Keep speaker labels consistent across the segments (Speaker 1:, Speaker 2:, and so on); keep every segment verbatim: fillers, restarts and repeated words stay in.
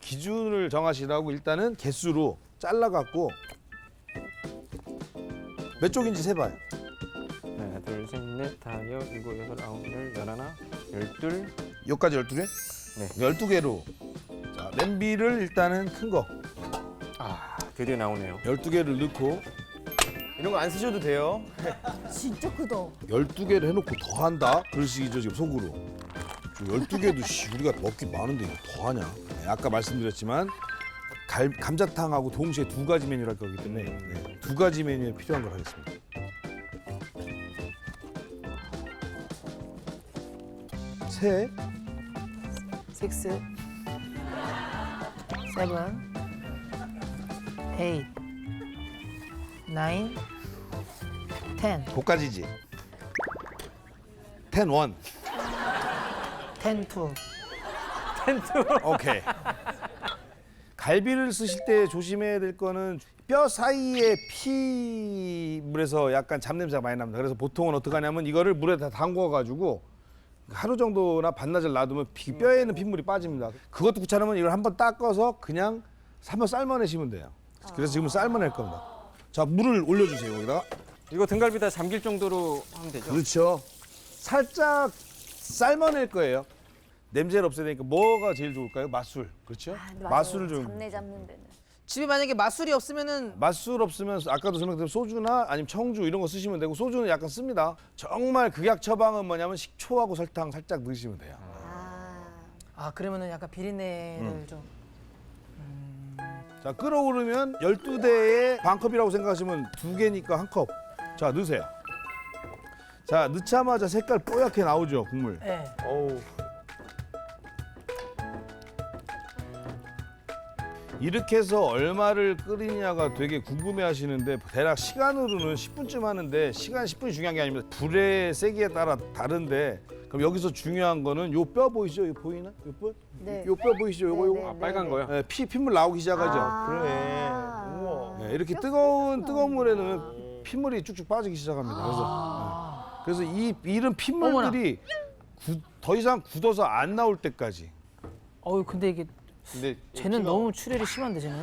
Speaker 1: 기준을 정하시라고 일단은 개수로 잘라갖고 몇 쪽인지 세봐요.
Speaker 2: 하나, 둘, 셋, 넷, 다섯, 일곱, 여덟, 아홉, 열, 열하나, 열둘.
Speaker 1: 여기까지 열두 개?
Speaker 2: 네.
Speaker 1: 열두 개로. 자, 냄비를 일단은 큰 거
Speaker 2: 아, 드디어 나오네요.
Speaker 1: 열두 개를 넣고
Speaker 3: 이런 거 안 쓰셔도 돼요.
Speaker 4: 진짜 크다.
Speaker 1: 열두 개를 해놓고 더 한다? 그럴 식이죠, 지금 속으로. 열두 개도 씨, 우리가 먹기 많은데 이거 더 하냐? 네, 아까 말씀드렸지만 갈, 감자탕하고 동시에 두 가지 메뉴를 할 거기 때문에 네, 두 가지 메뉴에 필요한 걸 하겠습니다. 세,
Speaker 5: six, seven, eight, nine, ten,
Speaker 1: 고까지지. 텐 원.
Speaker 5: ten two.
Speaker 1: 오케이. 갈비를 쓰실 때 조심해야 될 거는 뼈 사이에 피물에서 약간 잡냄새가 많이 납니다. 그래서 보통은 어떻게 하냐면 이거를 물에 다 담궈가지고 하루 정도나 반나절 놔두면 피, 뼈에 있는 핏물이 빠집니다. 그것도 귀찮으면 이걸 한번 닦아서 그냥 한번 삶아내시면 돼요. 그래서 지금 삶아낼 겁니다. 자, 물을 올려주세요, 여기다가.
Speaker 2: 이거 등갈비 다 잠길 정도로 하면 되죠?
Speaker 1: 그렇죠. 살짝 삶아낼 거예요. 냄새를 없애야 되니까 뭐가 제일 좋을까요? 맛술. 그렇죠?
Speaker 4: 아, 맞아요.
Speaker 1: 맛술을 좀.
Speaker 4: 잡내 잡는 데는.
Speaker 5: 집에 만약에 맛술이 없으면은
Speaker 1: 맛술 없으면 아까도 설명드린 소주나 아니면 청주 이런 거 쓰시면 되고 소주는 약간 씁니다. 정말 극약 처방은 뭐냐면 식초하고 설탕 살짝 넣으시면 돼요.
Speaker 4: 아,
Speaker 5: 아 그러면은 약간 비린내를 좀.
Speaker 1: 자, 끓어오르면 열두 대에 반 컵이라고 생각하시면 두 개니까 한 컵. 자, 넣으세요. 자, 넣자마자 색깔 뽀얗게 나오죠, 국물.
Speaker 5: 네.
Speaker 3: 어우.
Speaker 1: 이렇게 해서 얼마를 끓이냐가 되게 궁금해 하시는데 대략 시간으로는 십 분쯤 하는데 시간 십 분이 중요한 게 아닙니다. 불의 세기에 따라 다른데 그럼 여기서 중요한 거는 요 뼈 보이시죠? 이거 보이나? 요 뼈?
Speaker 4: 네.
Speaker 1: 요 뼈 보이시죠? 요거
Speaker 4: 네,
Speaker 1: 요거.
Speaker 2: 아, 빨간 거요?
Speaker 1: 네, 피 핏물 나오기 시작하죠.
Speaker 4: 아.
Speaker 3: 그러네. 우와.
Speaker 1: 네, 이렇게 뜨거운 뜨거운 물에 넣으면 핏물이 쭉쭉 빠지기 시작합니다. 그래서 네. 그래서 이 이런 핏물들이 구, 더 이상 굳어서 안 나올 때까지.
Speaker 5: 어우 근데 이게
Speaker 3: 근데
Speaker 5: 쟤는 너무 출혈이 심한데 쟤는.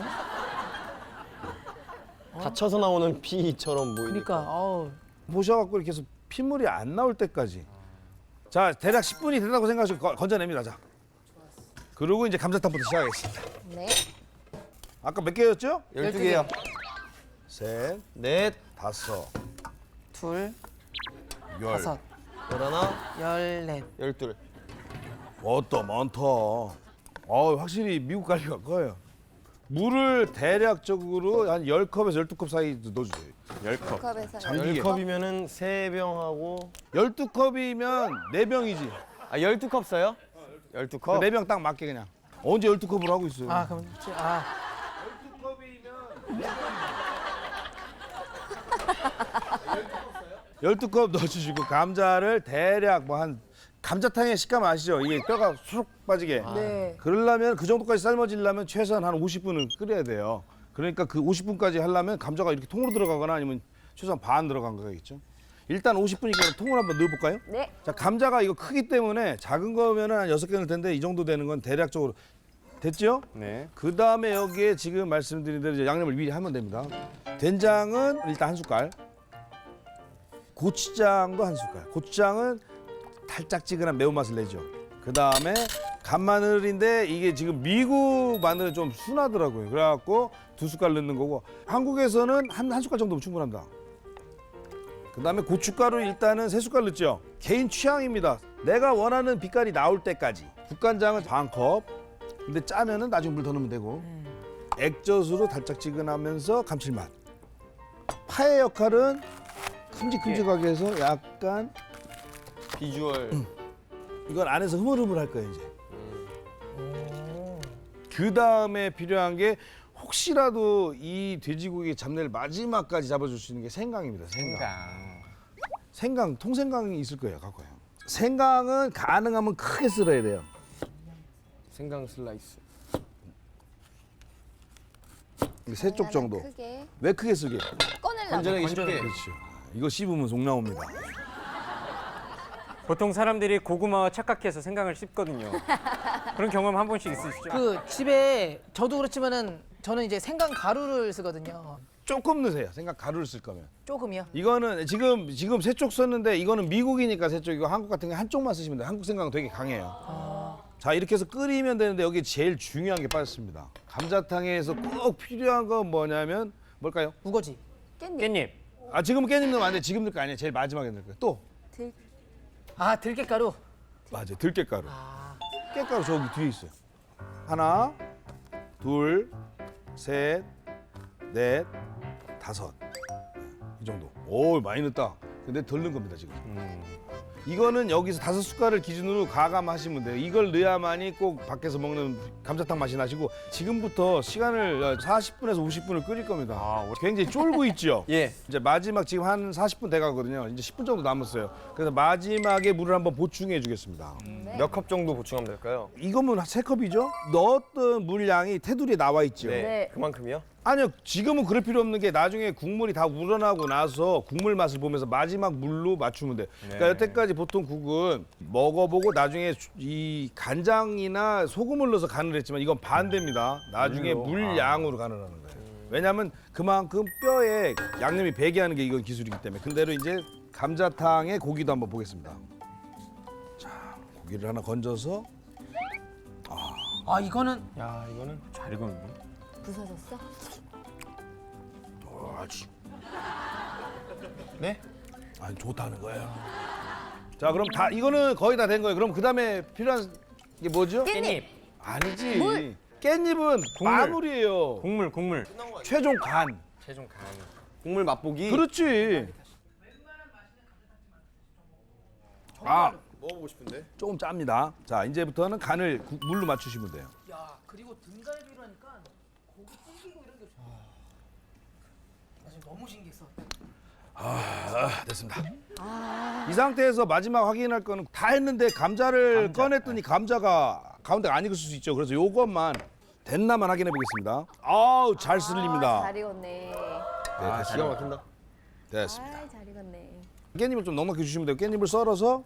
Speaker 3: 다쳐서 나오는 피처럼 보이니까.
Speaker 5: 그러니까 어우.
Speaker 1: 보셔갖고 이렇게 해서 핏물이 안 나올 때까지. 자, 대략 십 분이 된다고 생각하시고 거- 건져냅니다. 자. 그리고 이제 감자탕부터 시작하겠습니다.
Speaker 4: 네.
Speaker 1: 아까 몇 개였죠?
Speaker 3: 열두 개요.
Speaker 1: 셋,
Speaker 3: 넷,
Speaker 1: 다섯,
Speaker 5: 둘,
Speaker 1: 열.
Speaker 5: 다섯,
Speaker 3: 열하나,
Speaker 5: 열넷.
Speaker 3: 열둘.
Speaker 1: 어떠 많다. 어, 확실히 미국 갈비가 커요. 물을 대략적으로 한 십 컵에서 열두 컵 사이 넣어주세요.
Speaker 2: 열 컵.
Speaker 4: 컵에서
Speaker 1: 잠기게.
Speaker 3: 열 컵이면은 세 병하고
Speaker 1: 열두 컵이면 네 병이지.
Speaker 3: 아 열두 컵 써요? 열두 컵?
Speaker 1: 네 병 딱 맞게 그냥. 언제 열두 컵으로 하고 있어요?
Speaker 5: 아 그럼 지- 아
Speaker 1: 열두 컵이면 열두 컵 넣어주시고 감자를 대략 뭐 한 감자탕의 식감 아시죠? 이게 뼈가 쑥 빠지게.
Speaker 4: 네.
Speaker 1: 그러려면 그 정도까지 삶아지려면 최소한 한 오십 분은 끓여야 돼요. 그러니까 그 오십 분까지 하려면 감자가 이렇게 통으로 들어가거나 아니면 최소한 반 들어간 거겠죠. 일단 오십 분이니까 통을 한번 넣어볼까요?
Speaker 4: 네.
Speaker 1: 자, 감자가 이거 크기 때문에 작은 거면은 한 여섯 개 넣을 텐데 이 정도 되는 건 대략적으로 됐죠?
Speaker 2: 네.
Speaker 1: 그 다음에 여기에 지금 말씀드린 대로 이제 양념을 미리 하면 됩니다. 된장은 일단 한 숟갈, 고추장도 한 숟갈. 고추장은 달짝지근한 매운맛을 내죠. 그 다음에 간마늘인데 이게 지금 미국 마늘은 좀 순하더라고요. 그래갖고 두 숟갈 넣는 거고 한국에서는 한, 한 숟갈 정도면 충분합니다. 그 다음에 고춧가루 일단은 세 숟갈 넣죠. 개인 취향입니다. 내가 원하는 빛깔이 나올 때까지. 국간장은 반 컵. 근데 짜면은 나중에 물 더 넣으면 되고. 액젓으로 달짝지근하면서 감칠맛. 파의 역할은 큼직큼직하게 해서 약간
Speaker 3: 비주얼.
Speaker 1: 이건 안에서 흐물흐물 할 거예요 이제. 그 다음에 필요한 게 혹시라도 이 돼지고기 잡내를 마지막까지 잡아줄 수 있는 게 생강입니다. 생강. 생강, 통생강이 있을 거예요. 갖고 와요. 생강은 가능하면 크게 썰어야 돼요.
Speaker 3: 생강 슬라이스.
Speaker 1: 세 쪽 정도.
Speaker 4: 크게
Speaker 1: 왜 크게 쓰게?
Speaker 4: 꺼내려고.
Speaker 3: 건져내기 쉽게.
Speaker 1: 그렇죠. 이거 씹으면 속 나옵니다.
Speaker 2: 보통 사람들이 고구마와 착각해서 생강을 씹거든요. 그런 경험 한 번씩 있으시죠?
Speaker 5: 그 집에 저도 그렇지만은 저는 이제 생강 가루를 쓰거든요.
Speaker 1: 조금 넣으세요. 생각 가루를 쓸 거면.
Speaker 5: 조금이요.
Speaker 1: 이거는 지금 지금 세 쪽 썼는데 이거는 미국이니까 세 쪽이고 한국 같은 게 한쪽만 쓰시면 돼요. 한국 생강은 되게 강해요. 자 이렇게 해서 끓이면 되는데 여기 제일 중요한 게 빠졌습니다. 감자탕에서 꼭 필요한 건 뭐냐면 뭘까요?
Speaker 5: 우거지.
Speaker 4: 깻잎.
Speaker 2: 깻잎.
Speaker 1: 아 지금은 깻잎 넣으면 안 돼. 지금 넣을 거 아니에요. 제일 마지막에 넣을 거예요. 또
Speaker 4: 들.
Speaker 5: 아 들깨가루.
Speaker 1: 맞아요. 들깨가루.
Speaker 5: 아,
Speaker 1: 깻가루 저기 뒤에 있어요. 하나, 둘, 셋, 넷, 다섯. 이 정도. 오 많이 넣었다. 근데 덜 넣은 겁니다 지금.
Speaker 2: 음.
Speaker 1: 이거는 여기서 다섯 숟갈을 기준으로 가감하시면 돼요. 이걸 넣어야만이 꼭 밖에서 먹는 감자탕 맛이 나시고 지금부터 시간을 사십 분에서 오십 분을 끓일 겁니다.
Speaker 2: 아,
Speaker 1: 굉장히 쫄고 있죠.
Speaker 3: 예.
Speaker 1: 이제 마지막 지금 한 사십 분 돼가거든요. 이제 십 분 정도 남았어요. 그래서 마지막에 물을 한번 보충해 주겠습니다.
Speaker 4: 네.
Speaker 3: 몇 컵 정도 보충하면 될까요?
Speaker 1: 이거면 세 컵이죠? 넣었던 물량이 테두리에 나와 있죠.
Speaker 3: 네.
Speaker 4: 네.
Speaker 3: 그만큼이요?
Speaker 1: 아니요, 지금은 그럴 필요 없는 게 나중에 국물이 다 우러나고 나서 국물 맛을 보면서 마지막 물로 맞추면 돼. 그러니까 여태까지 보통 국은 먹어보고 나중에 이 간장이나 소금을 넣어서 간을 했지만 이건 반대입니다. 나중에 물량으로 간을 하는 거예요. 왜냐하면 그만큼 뼈에 양념이 배게 하는 게 이건 기술이기 때문에. 근데로 이제 감자탕의 고기도 한번 보겠습니다. 자, 고기를 하나 건져서
Speaker 5: 아 이거는
Speaker 3: 야 이거는
Speaker 2: 잘 익었는데?
Speaker 4: 부서졌어?
Speaker 1: 아주
Speaker 3: 네?
Speaker 1: 아니 좋다는 거예요. 자, 그럼 다 이거는 거의 다 된 거예요. 그럼 그 다음에 필요한 게 뭐죠?
Speaker 4: 깻잎.
Speaker 1: 아니지.
Speaker 4: 물.
Speaker 1: 깻잎은
Speaker 2: 국물.
Speaker 1: 마무리예요.
Speaker 2: 국물, 국물.
Speaker 1: 최종 간.
Speaker 3: 최종 간. 국물 맛보기.
Speaker 1: 그렇지. 아,
Speaker 3: 먹어보고 싶은데.
Speaker 1: 조금 짭니다. 자, 이제부터는 간을 국- 물로 맞추시면 돼요.
Speaker 5: 야 그리고 등갈비로 하니까 고기 튀기고 이런 게 없어. 나 지금 너무 신기했어.
Speaker 1: 아, 됐습니다. 이 상태에서 마지막 확인할 거는 다 했는데 감자를 꺼냈더니 감자가 가운데가 안 익을 수 있죠. 그래서 요것만 됐나만 확인해 보겠습니다. 아우, 잘
Speaker 4: 아,
Speaker 1: 쓸립니다.
Speaker 4: 잘 익었네.
Speaker 1: 네,
Speaker 3: 아
Speaker 1: 됐습니다.
Speaker 3: 기가 막힌다.
Speaker 1: 됐습니다.
Speaker 4: 아, 잘 익었네.
Speaker 1: 깻잎을 좀 넉넉히 주시면 돼요. 깻잎을 썰어서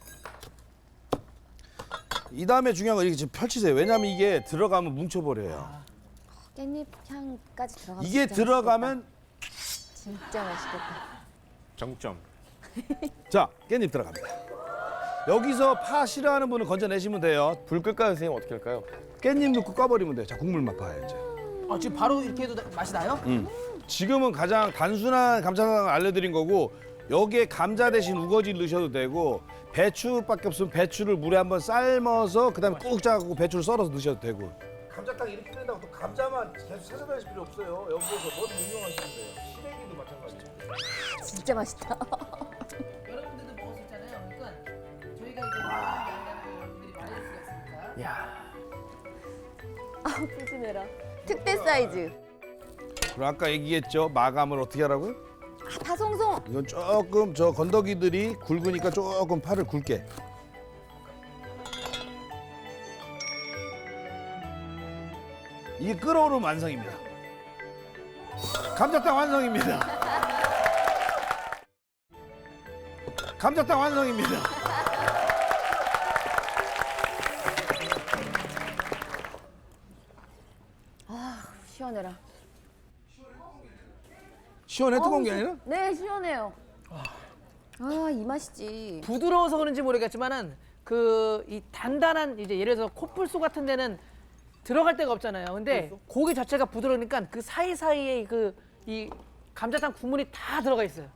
Speaker 1: 이 다음에 중요한 건 이렇게 지금 펼치세요. 왜냐하면 이게 들어가면 뭉쳐버려요.
Speaker 4: 깻잎 향까지 들어가면
Speaker 1: 이게
Speaker 4: 진짜
Speaker 1: 들어가면
Speaker 4: 맛있겠다. 진짜 맛있겠다.
Speaker 2: 정점.
Speaker 1: 자, 깻잎 들어갑니다. 여기서 파 싫어하는 분은 건져내시면 돼요.
Speaker 3: 불 끌까요 선생님? 어떻게 할까요?
Speaker 1: 깻잎 넣고 꺼버리면 돼요. 자, 국물만 파요 이제.
Speaker 5: 아 지금 바로 이렇게 해도 나- 맛이 나요?
Speaker 1: 지금은 가장 단순한 감자탕을 알려드린 거고 여기에 감자 대신 우거지를 넣으셔도 되고 배추밖에 없으면 배추를 물에 한번 삶아서 그다음에 꾹 짜고 배추를 썰어서 넣으셔도 되고. 감자탕 이렇게 된다고 또 감자만 계속 찾아다닐 필요 없어요. 여기에서 뭐든 응용하시면 돼요. 시래기도 마찬가지죠.
Speaker 4: 진짜 맛있다.
Speaker 5: 여러분들도 먹을 수 있잖아요. 그러니까 저희가 이제 양념을 여러분들이 말릴 수가 있으니까.
Speaker 4: 아, 푸짐해라. 특대 사이즈.
Speaker 1: 그럼 아까 얘기했죠. 마감을 어떻게 하라고요?
Speaker 4: 아, 다송송.
Speaker 1: 이건 조금 저 건더기들이 굵으니까 조금 파를 굵게. 이게 끓어오르면 완성입니다. 감자탕 완성입니다. 감자탕 완성입니다.
Speaker 4: 시원해라.
Speaker 1: 시원해 뜨거운 게
Speaker 4: 어우,
Speaker 1: 아니라?
Speaker 4: 네, 시원해요. 아, 이 맛이지.
Speaker 5: 부드러워서 그런지 모르겠지만은 그 이 단단한 이제 예를 들어서 코뿔소 같은 데는 들어갈 데가 없잖아요. 근데 고기 자체가 부드러우니까 그 사이사이에 그 이 감자탕 국물이 다 들어가 있어요.